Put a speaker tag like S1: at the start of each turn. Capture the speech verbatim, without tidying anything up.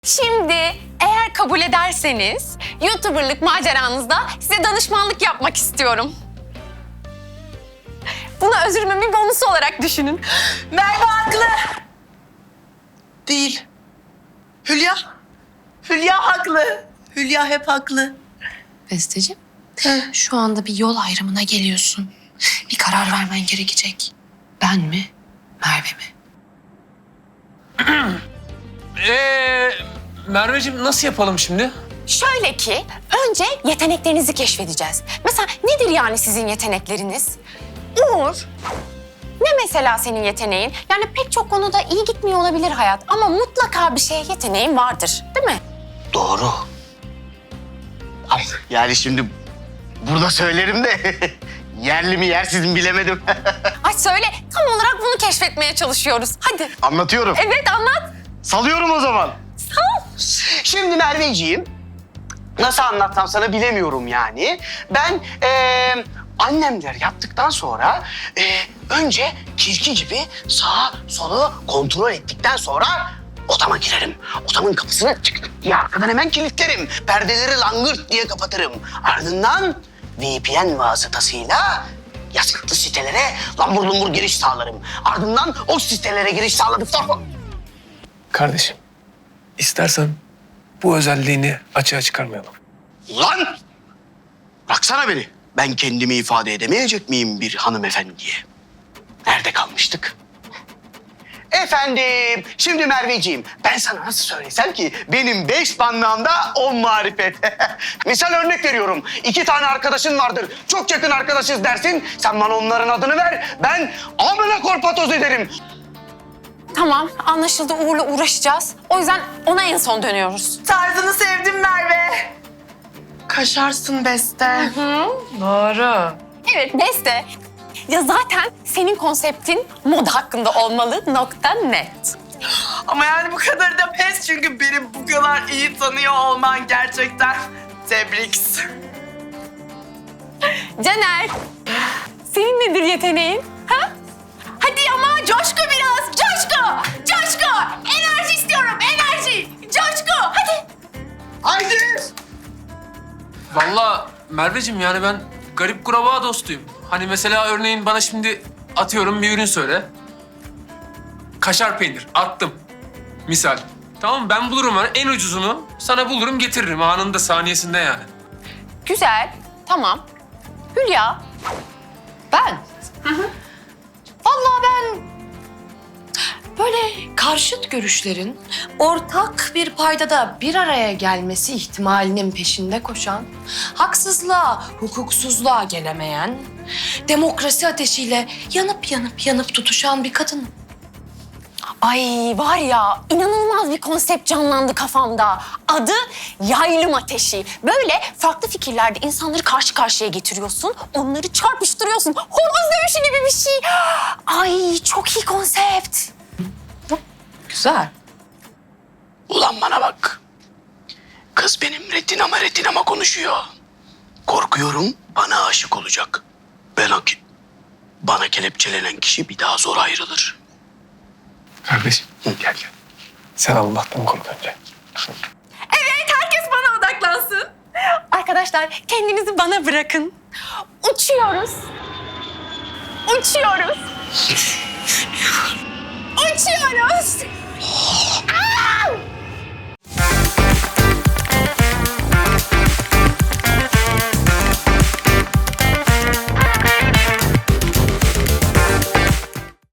S1: Şimdi eğer kabul ederseniz YouTuber'lık maceranızda size danışmanlık yapmak istiyorum. Bunu özürümün bir bonusu olarak düşünün.
S2: Merve haklı. Değil. Hülya. Hülya haklı. Hülya hep haklı.
S3: Besteciğim, şu anda bir yol ayrımına geliyorsun. Bir karar vermen gerekecek. Ben mi, Merve mi?
S4: Ee, Merveciğim nasıl yapalım şimdi?
S1: Şöyle ki önce yeteneklerinizi keşfedeceğiz. Mesela nedir yani sizin yetenekleriniz? Uğur, ne mesela senin yeteneğin? Yani pek çok konuda iyi gitmiyor olabilir hayat ama mutlaka bir şeye yeteneğin vardır, değil mi?
S5: Doğru. Ay, yani şimdi burada söylerim de yerli mi yersiz mi bilemedim.
S1: Ay söyle, tam olarak bunu keşfetmeye çalışıyoruz. Hadi.
S5: Anlatıyorum.
S1: Evet, anlat.
S5: Salıyorum o zaman.
S1: Sal.
S5: Şimdi Merveciğim, nasıl anlatsam sana bilemiyorum yani. Ben eee annemler yattıktan sonra eee, önce kirki gibi sağa sola kontrol ettikten sonra odama girerim. Odamın kapısını çık diye arkadan hemen kilitlerim. Perdeleri langırt diye kapatırım. Ardından V P N vasıtasıyla yasaklı sitelere lambur lumbur giriş sağlarım. Ardından o sitelere giriş sağladıktan sonra...
S4: Kardeşim, istersen bu özelliğini açığa çıkarmayalım.
S5: Lan! Bıraksana beni. Ben kendimi ifade edemeyecek miyim bir hanımefendiye? Nerede kalmıştık? Efendim, şimdi Merveciğim, ben sana nasıl söylesem ki benim beş banlığımda on marifet. Misal örnek veriyorum, iki tane arkadaşın vardır, çok yakın arkadaşız dersin. Sen bana onların adını ver, ben amına korpatoz ederim.
S1: Tamam, anlaşıldı. Uğur'la uğraşacağız. O yüzden ona en son dönüyoruz.
S2: Tarzını sevdim Merve. Kaşarsın Beste. Doğru.
S1: Evet, Beste. Ya zaten senin konseptin moda hakkında olmalı. Nokta net.
S2: Ama yani bu kadar da pes çünkü beni bu kadar iyi tanıyor olman gerçekten tebrik.
S1: Caner, senin nedir yeteneğin? Ha? Hadi ama coşku biraz, coşku, coşku. Enerji istiyorum, enerji, coşku. Hadi.
S5: Haydi!
S4: Vallahi Merveciğim yani ben garip kurbağa dostuyum. Hani mesela örneğin bana şimdi atıyorum bir ürün söyle. Kaşar peynir attım. Misal. Tamam mı? Ben bulurum hani en ucuzunu sana bulurum getiririm anında saniyesinde yani.
S1: Güzel, tamam. Hülya,
S3: Ben? Vallahi ben böyle karşıt görüşlerin ortak bir paydada bir araya gelmesi ihtimalinin peşinde koşan, haksızlığa, hukuksuzluğa gelemeyen, demokrasi ateşiyle yanıp yanıp yanıp tutuşan bir kadınım.
S1: ay var ya inanılmaz bir konsept canlandı kafamda. Adı yaylım ateşi. Böyle farklı fikirlerde insanları karşı karşıya getiriyorsun. Onları çarpıştırıyorsun. Horoz dövüşü gibi bir şey. Ay çok iyi konsept.
S3: Güzel.
S5: Ulan bana bak. Kız benim retinama retinama konuşuyor. Korkuyorum bana aşık olacak. Ben o ki... Bana kelepçelenen kişi bir daha zor ayrılır.
S4: Kardeşim gel gel. Sen Allah'tan kork önce.
S1: Evet herkes bana odaklansın. Arkadaşlar kendinizi bana bırakın. Uçuyoruz. Uçuyoruz. Uçuyoruz.